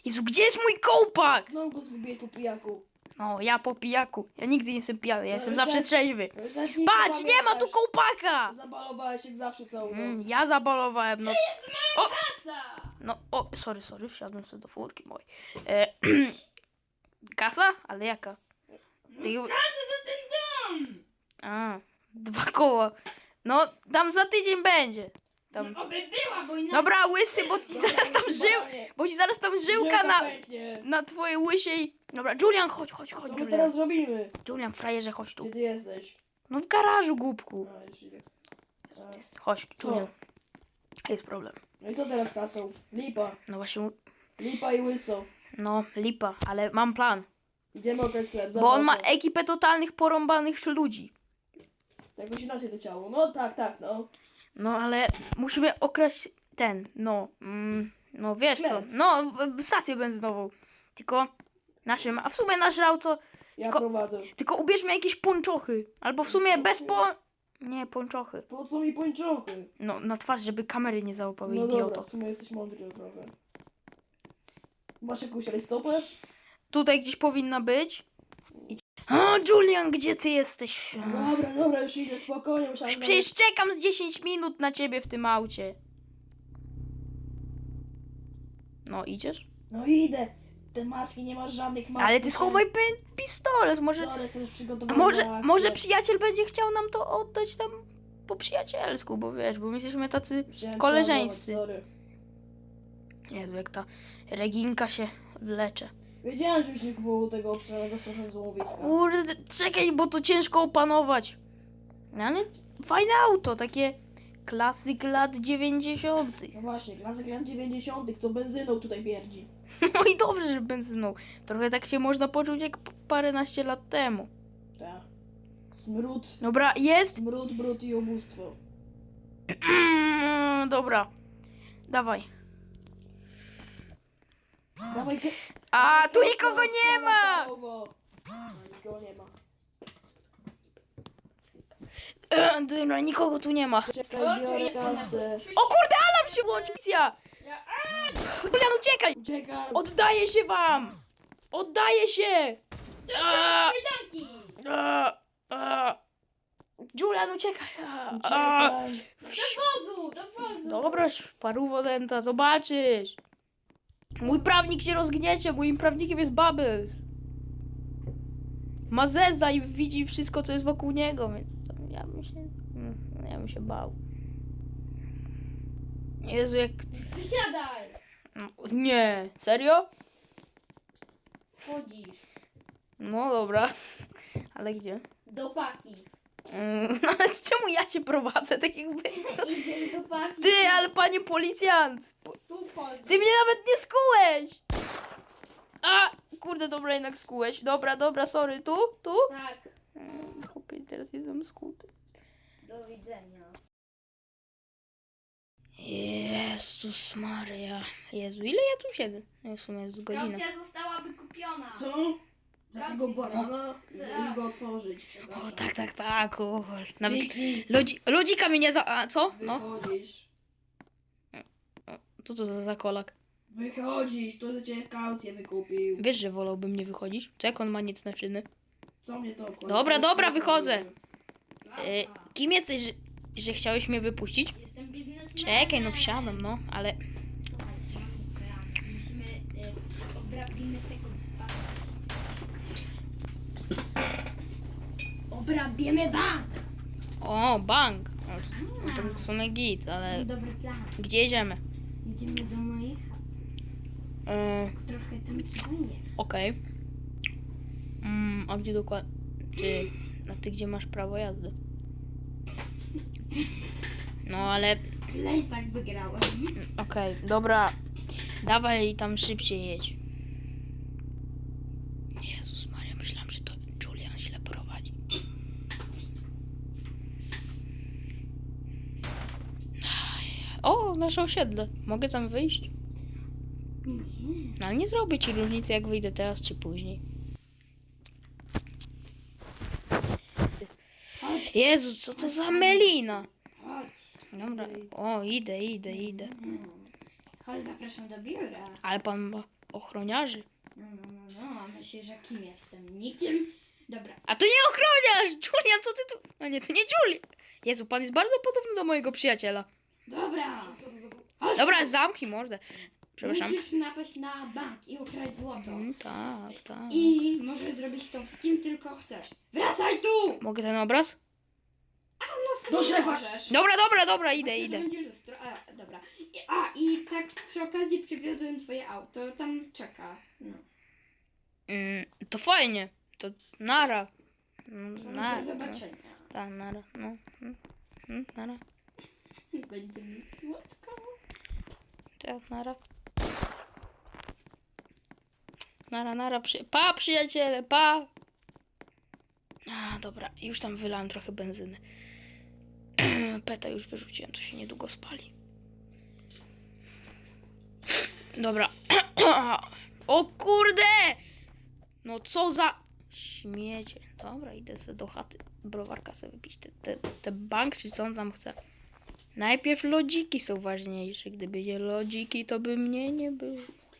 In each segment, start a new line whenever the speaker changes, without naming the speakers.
Jezu, gdzie jest mój kołpak?
Znowu go zgubiłeś po pijaku.
No, ja po pijaku. Ja nigdy nie jestem pijany, ja jestem
ale
zawsze
tak-
trzeźwy.
ale tak nie
Patrz, nie ma tu
pamiętasz.
kołpaka!
Zabalowałeś jak zawsze całą noc.
Ja zabalowałem noc.
Kasa!
No, o, sorry, wsiadłem sobie do furki mojej. Kasa? Ale jaka? Ty...
Kasa za ten dom!
A, 2 koła. No, tam za tydzień będzie. Tam...
No, oby była, bo inaczej...
Dobra, łysy, bo ci zaraz tam bo ci zaraz tam żyłka
pęknie.
na twojej łysiej. Dobra, Julian, chodź,
Co my
Julian.
teraz robimy?
Julian, frajerze, chodź tu.
Gdzie ty jesteś?
No w garażu, głupku.
A, już idę.
Chodź,
Co?
Julian. Jest problem.
No i co teraz kasą? Lipa.
No właśnie,
Lipa i łyso.
no lipa, ale mam plan.
Idziemy o ten sklep.
Bo on ma
zapraszam.
ekipę totalnych porąbanych ludzi.
Jakoś inaczej leciało. No tak, no.
No ale musimy okraść no wiesz co,
Sklep.
no stację benzynową. Tylko naszym, a w sumie nasze auto,
Ja
Tylko-
prowadzę.
tylko ubierzmy jakieś ponczochy. Albo w sumie bez Nie, ponczochy.
Po co mi pończochy?
No na twarz, żeby kamery nie załapały,
No dobra,
idioto.
w sumie jesteś mądry trochę. Masz jakąś rajstopę?
Tutaj gdzieś powinna być. O, Julian, gdzie ty jesteś?
Dobra, już idę, spokojnie.
Już
Musiałem
przecież czekam z 10 minut na ciebie w tym aucie. No, idziesz?
No idę. Te maski, nie masz żadnych mask.
Ale ty schowaj pistolet, może...
Sorry, jestem już
A
przygotowany.
może przyjaciel będzie chciał nam to oddać tam po przyjacielsku, bo wiesz, bo my jesteśmy tacy koleżeńscy.
Sorry.
Jezu, jak ta Reginka się wlecze.
Wiedziałem, żebyś nie kupował tego obszanego trochę złomowiska.
Kurde, czekaj, bo to ciężko opanować. No ale fajne auto, takie klasyk lat 90.
No właśnie, klasyk lat 90., co benzyną tutaj bierdzi.
No i dobrze, że benzyną. Trochę tak się można poczuć jak paręnaście lat temu.
Tak. Smród,
Dobra, jest.
brud i ubóstwo.
Dobra, dawaj.
Dawaj,
A, tu nikogo nie ma!
Nikogo nie ma.
Dobra, nikogo tu nie ma.
Czekaj, biorę
jest
kasę.
O kurde, alarm się włączył! Misja! Julian, uciekaj!
Czekaj.
Oddaję się wam! Oddaję się! A,
Kajdanki!
a. Julian, uciekaj!
Czekaj.
Do wozu!
Dobra, paruwo denta, zobaczysz! Mój prawnik się rozgniecie, moim prawnikiem jest Bubbles. Ma zeza i widzi wszystko, co jest wokół niego, więc tam ja bym się bał. Jezu, jak...
Wysiadaj!
Nie, serio?
Wchodzisz.
No dobra, ale gdzie?
Do paki.
No ale czemu ja cię prowadzę, tak jakby... To...
Idziesz do paki.
Ty, ale panie policjant!
Tu wchodź.
Ty mnie nawet nie skułeś! A, kurde, dobra, jednak skułeś. Dobra, sorry, tu?
Tak.
Chłopie, teraz jestem skuty.
Do widzenia.
Jezus Maria. Jezu, ile ja tu siedzę? No w sumie jest godzina.
Kaucja została wykupiona.
Co? Za tego barana?
Tak.
Idę go otworzyć, przepraszam.
O, tak, Nawet
Miki,
lodzika mnie nie za... A, co? No,
wychodzisz.
co to za kolak?
Wychodzisz, to za ciebie kaucję wykupił.
Wiesz, że wolałbym nie wychodzić? Co jak on ma nic na czyny?
Co mnie to obchodzi?
Dobra, wychodzę.
Lata.
Kim jesteś, że chciałeś mnie wypuścić?
Jestem biznesmenem.
Czekaj, no wsiadam, no, ale...
Słuchaj, mamy plan. Musimy... obrabimy tego banka. Obrabimy bank!
O, bank. No to w sumie git, ale...
Dobry plan.
Gdzie jedziemy?
Jedziemy do mojej chaty. Trochę tam dzwonię.
Okej. A gdzie dokładnie? Ty gdzie masz prawo jazdy? No ale...
W lesach wygrałem.
Okej, dobra. Dawaj tam szybciej jedź. Jezus Maria, myślałam, że to Julian źle prowadzi. O, nasze osiedle. Mogę tam wyjść?
Nie.
No ale nie zrobię ci różnicy, jak wyjdę teraz czy później.
Chodź,
Jezu, co to za melina?
chodź.
Dobra, o, idę.
Chodź, zapraszam do biura.
Ale pan ma... ochroniarzy.
No, a myślisz, że kim jestem? Nikim? Dobra.
A to nie ochroniarz! Julian, co ty tu... A nie, to nie Julian. Jezu, pan jest bardzo podobny do mojego przyjaciela.
Dobra!
Co to za...
Chodź
Dobra,
tu.
zamknij mordę. Przepraszam.
Musisz napaść na bank i ukraść złoto.
Tak, tak.
I możesz zrobić to z kim tylko chcesz. Wracaj tu!
Mogę ten obraz?
No w sumie
Do szefa.
możesz.
Dobra, idę,
Właśnie
idę.
To będzie lustro. A, dobra. I tak przy okazji przywiozłem twoje auto. Tam czeka. No.
To fajnie. To nara.
No, do zobaczenia.
Tak, nara. No. Nara.
Będzie mi słodko.
Tak, nara. Nara, pa, przyjaciele, pa! A, dobra, już tam wylałem trochę benzyny. Peta już wyrzuciłem, to się niedługo spali. Dobra. O kurde! No co za śmiecie. Dobra, idę sobie do chaty browarka sobie wypić. Te bank, czy co on tam chce. Najpierw lodziki są ważniejsze. Gdyby nie lodziki, to by mnie nie było.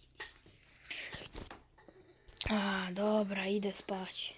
A, dobra, idę spać.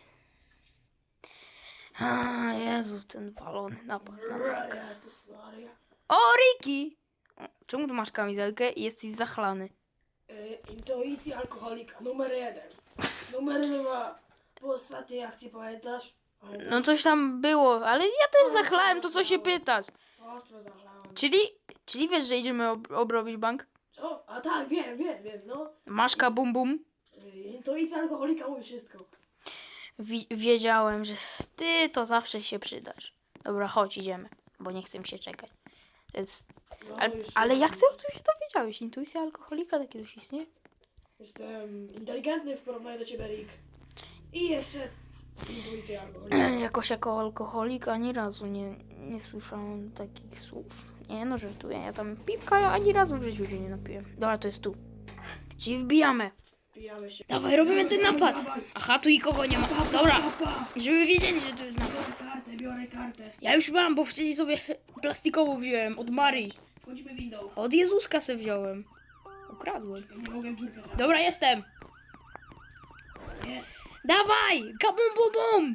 A, Jezu, ten walony napad na bank.
Jezus Maria.
O, Ricky! Czemu tu masz kamizelkę i jesteś zachlany?
Intuicja alkoholika, numer 1. Numer 2. Po ostatniej akcji pamiętasz?
No coś tam było, ale ja też zachlałem, to co się pytasz?
Ostro zachlałem.
Czyli wiesz, że idziemy obrobić bank?
Co? A tak, wiem, no.
Maszka bum bum.
Intuicja alkoholika mówi wszystko.
Wiedziałem, że ty to zawsze się przydasz. Dobra, chodź, idziemy, bo nie chcę mi się czekać. To jest...
No,
Ale jak ty o tym się dowiedziałeś? Intuicja alkoholika, takie coś istnieje?
Jestem inteligentny w porównaniu do ciebie, Rick. I jeszcze intuicja alkoholika.
Jakoś jako alkoholik ani razu nie słyszałem takich słów. Nie no, żartuję, ja tam piwka ja ani razu w życiu się nie napiłem. Dobra, to jest tu. Czyli wbijamy.
Pijamy się.
Dawaj, robimy ten napad.
Dawaj.
Aha, tu nikogo nie ma. Dobra,
Pa.
żeby wiedzieli, że tu jest napad.
Biorę kartę.
Ja już mam, bo wcześniej sobie plastikową wziąłem od Marii.
Wchodzimy windą.
Od Jezuska se wziąłem. Ukradłem.
Ja nie mogę dziurkę trafić.
Dobra, jestem.
Nie.
Dawaj, kabum bum bum.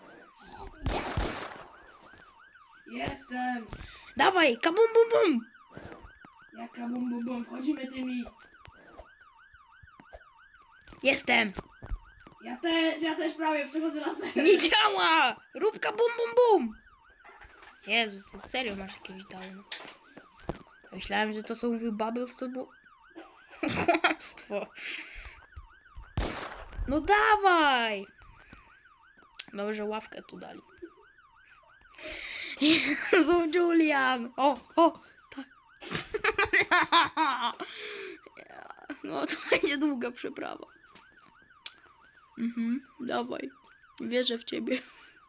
Jestem.
Dawaj, kabum bum bum.
Jaka bum. Wchodzimy tymi.
Jestem.
Ja też prawie przechodzę na ser.
Nie działa! Rób kabum bum bum. Jezu, ty serio masz jakieś downy. Myślałem, że to co mówił Bubbles to było kłamstwo. No dawaj! Dobrze, ławkę tu dali. Jezu, Julian! O, tak. No to będzie długa przeprawa. Dawaj. Wierzę w ciebie.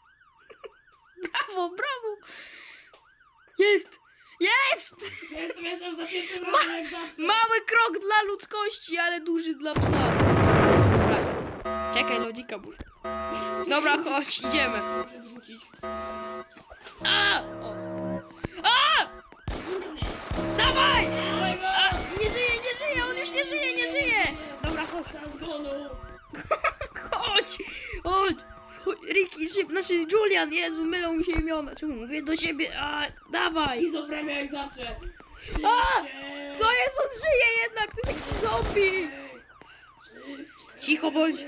Brawo! Jest!
Jestem za pierwszym razem jak zawsze.
Mały krok dla ludzkości, ale duży dla psa. Dobra. Czekaj, lodzika muszę. Dobra, chodź, idziemy.
Muszę wrzucić.
A! O. A! Dawaj! A! Nie żyje, on już nie żyje. Dobra, chodź. Chodź! Ricky, Julian, Jezu, mylą mi się imiona. Czemu mówię do siebie? A, dawaj!
Schizofrenia jak zawsze.
A! Co jest? On żyje jednak! To jest jakiś zombie! Cicho bądź.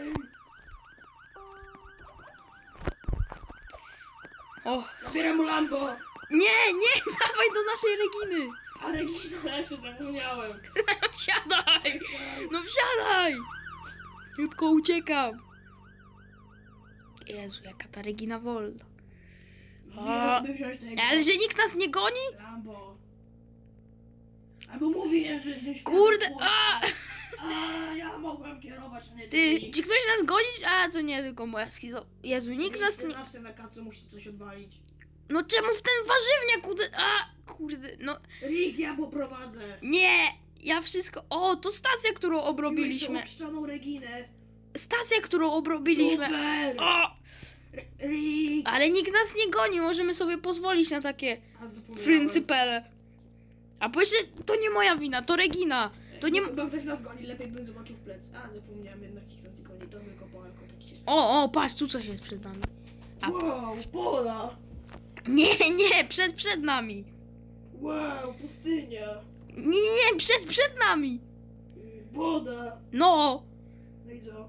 O,
Zbieram mu Lambo.
nie, dawaj do naszej Reginy.
A Regina, ja się zapomniałem.
Wsiadaj! No wsiadaj! Szybko uciekam. Jezu, jaka ta Regina wolna.
Mówiłem, żeby wziąć tego.
Ale że nikt nas nie goni?
Lambo. Albo mówię, że gdzieś...
Kurde,
A, ja mogłem kierować, a nie
Ty, czy ktoś nas goni? A, to nie, tylko moja schizo... Jezu, nikt nas nie...
Zawsze na kacu musi coś odwalić.
No czemu w ten warzywniak kurde, no...
Rick, ja poprowadzę.
Nie! Ja wszystko... O, to stacja, którą obrobiliśmy.
Uczczoną Reginę.
Stacja, którą obrobiliśmy.
Super.
O!
Rick.
Ale nikt nas nie goni, możemy sobie pozwolić na takie
A zapomniałem.
fryncypele. A po jeszcze, to nie moja wina, to Regina. To nie...
Chyba ktoś nas goni, lepiej bym zobaczył w plec. A, zapomniałem jednak ich nas goni, to tylko po alko taki się...
O, patrz, tu coś jest przed nami. A-
Wow, pola!
Nie, przed nami.
Wow, pustynia!
Nie, przed nami.
Woda!
No.
No i co?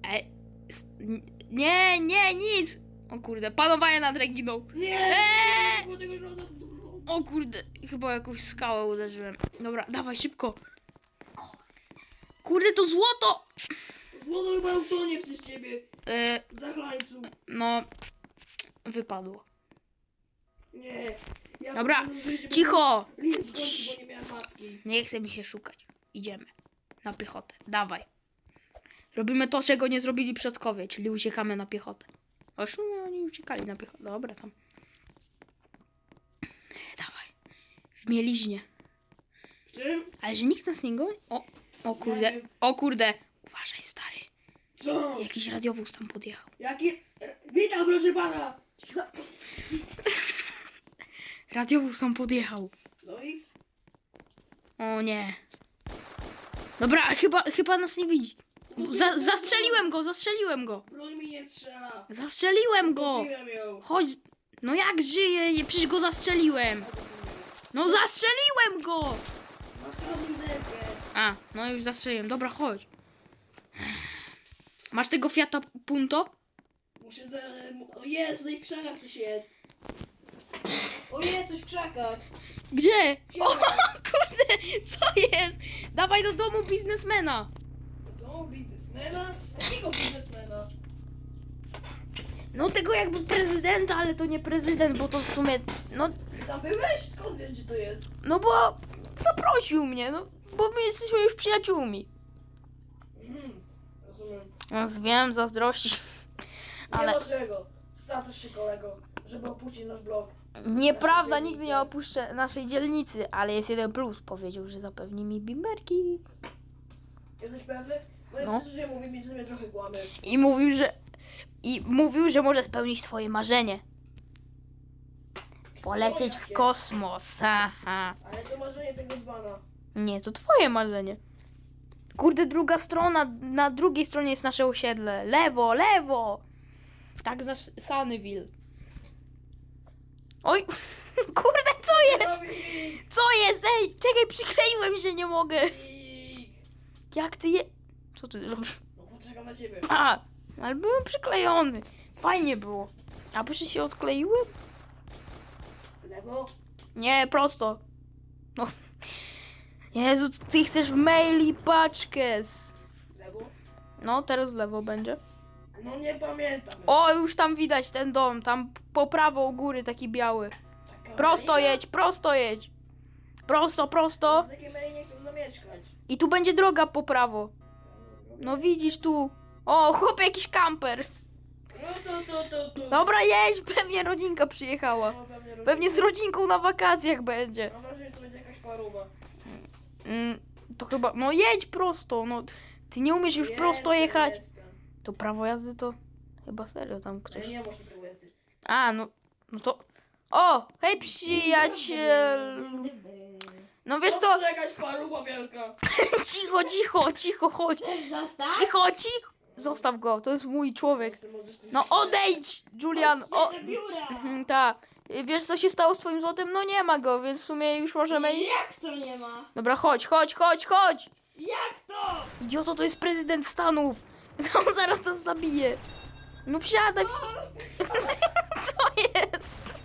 Nie, nic. O kurde, panowanie nad Reginą.
Nie!
Eee!
Nie było tego żołda.
O kurde, chyba jakąś skałę uderzyłem. Dobra, dawaj szybko. Kurde, to złoto.
Złoto chyba utonie przez ciebie.
E,
Zachlańcu.
no, wypadło.
Nie. Ja
Dobra,
powinienem zrobić, żeby
cicho.
List zgonił, bo nie miałem maski.
Nie chce mi się szukać. Idziemy. Na piechotę. Dawaj. Robimy to, czego nie zrobili przodkowie, czyli uciekamy na piechotę. O, w sumie oni uciekali na piechotę. Dobra, tam. Dawaj. W mieliźnie.
W czym?
Ale że nikt nas nie goni? O kurde.
Nie wiem.
O kurde. Uważaj, stary.
Co?
Jakiś radiowóz tam podjechał.
Jaki? Witam, proszę pana!
Radiowóz tam podjechał.
No i?
O nie. Dobra, chyba nas nie widzi. Zastrzeliłem go.
Broń mi nie strzela.
Zastrzeliłem go.
Kupiłem ją.
Chodź. No jak żyje? Przecież go zastrzeliłem. No zastrzeliłem go.
Masz kamizelkę.
A, no już zastrzeliłem. Dobra, chodź. Masz tego Fiata Punto?
Muszę za... O jest, tutaj w krzakach coś jest. O jest, coś w krzakach.
Gdzie?
Gdzie?
O kurde, co jest? Dawaj do domu biznesmena.
To biznesmena? Jakiego biznesmena?
No tego jakby prezydenta, ale to nie prezydent, bo to w sumie, no,
Ty tam byłeś? Skąd wiesz, gdzie to jest?
no bo zaprosił mnie, no, bo my jesteśmy już przyjaciółmi.
Rozumiem.
No, wiem, zazdrości.
Ale...
Ale
Nie ma czego. Stracasz się, kolego, żeby opuścić nasz blog.
nieprawda,
Naszą
nigdy nie
dzielnicę.
opuszczę naszej dzielnicy, ale jest jeden plus. Powiedział, że zapewni mi bimberki.
Jesteś pewny? Moje
No.
przeczucie mówi mi, że mnie trochę kłamie.
I mówił, że może spełnić twoje marzenie. Polecieć w
jakie?
kosmos. Haha.
Ale to marzenie tego dzbana.
Nie, to twoje marzenie. Kurde, druga strona, na drugiej stronie jest nasze osiedle. Lewo, lewo! Tak znasz Sunnyville. Oj, kurde, co jest? Co jest? Ej, czekaj, przykleiłem się, nie mogę. Jak ty je... Co ty robisz?
No poczekam na ciebie.
A, ale byłem przyklejony. Fajnie było. A proszę się odkleiłem?
Lewo?
Nie, prosto. No. Jezu, ty chcesz w maili paczkę.
Lewo?
No, teraz w lewo będzie.
No nie pamiętam.
O, już tam widać ten dom. Tam po prawo u góry taki biały.
Taka
Prosto
malina?
jedź, prosto jedź. Prosto, prosto.
W takiej melinie chcę zamieszkać.
I tu będzie droga po prawo. No widzisz tu. O, chłop, jakiś kamper.
No to.
Dobra, jedź, pewnie rodzinka przyjechała.
No,
Pewnie z rodzinką na wakacjach będzie.
Mam wrażenie, że to będzie jakaś paruba.
To chyba, no jedź prosto, no. Ty nie umiesz już prosto jechać.
Jestem.
To prawo jazdy to chyba serio tam ktoś.
Ale nie masz prawo jazdy.
A, no to... O, hej przyjaciel. No wiesz co,
To jakaś paruba wielka.
cicho, chodź.
Zostaw.
Cicho. Zostaw go, to jest mój człowiek.
Możesz tym
No odejdź, Julian. O,
Do biura.
tak. Wiesz co się stało z twoim złotem? No nie ma go, więc w sumie już możemy iść.
Jak to nie ma?
Dobra, chodź.
Jak to?
Idioto, to jest prezydent Stanów. On zaraz nas zabije. No wsiadaj. Co jest?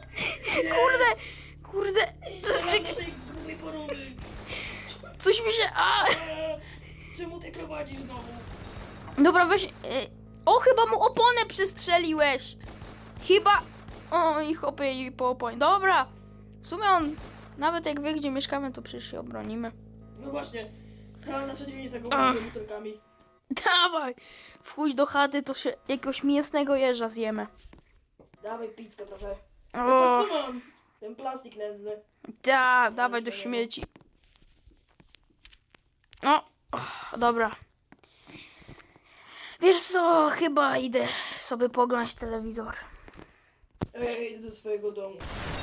Kurde.
Czekaj. tej grubej paruby.
Coś mi się... A!
Czemu ty prowadzisz znowu?
Dobra, weź... O, chyba mu oponę przestrzeliłeś. Chyba... O, i chopie i po oponie. Dobra. W sumie on... Nawet jak wie, gdzie mieszkamy, to przecież się obronimy.
No właśnie. Cała nasza dzielnica go
Ach.
buduje butelkami.
Dawaj. Wchódź do chaty, to się jakiegoś mięsnego jeża zjemy.
Dawaj pizzkę trochę.
O,
Co mam? Ten plastik nędzny.
dawaj do śmieci. O, dobra. Wiesz co, chyba idę sobie poglądać telewizor.
Ej, idę do swojego domu.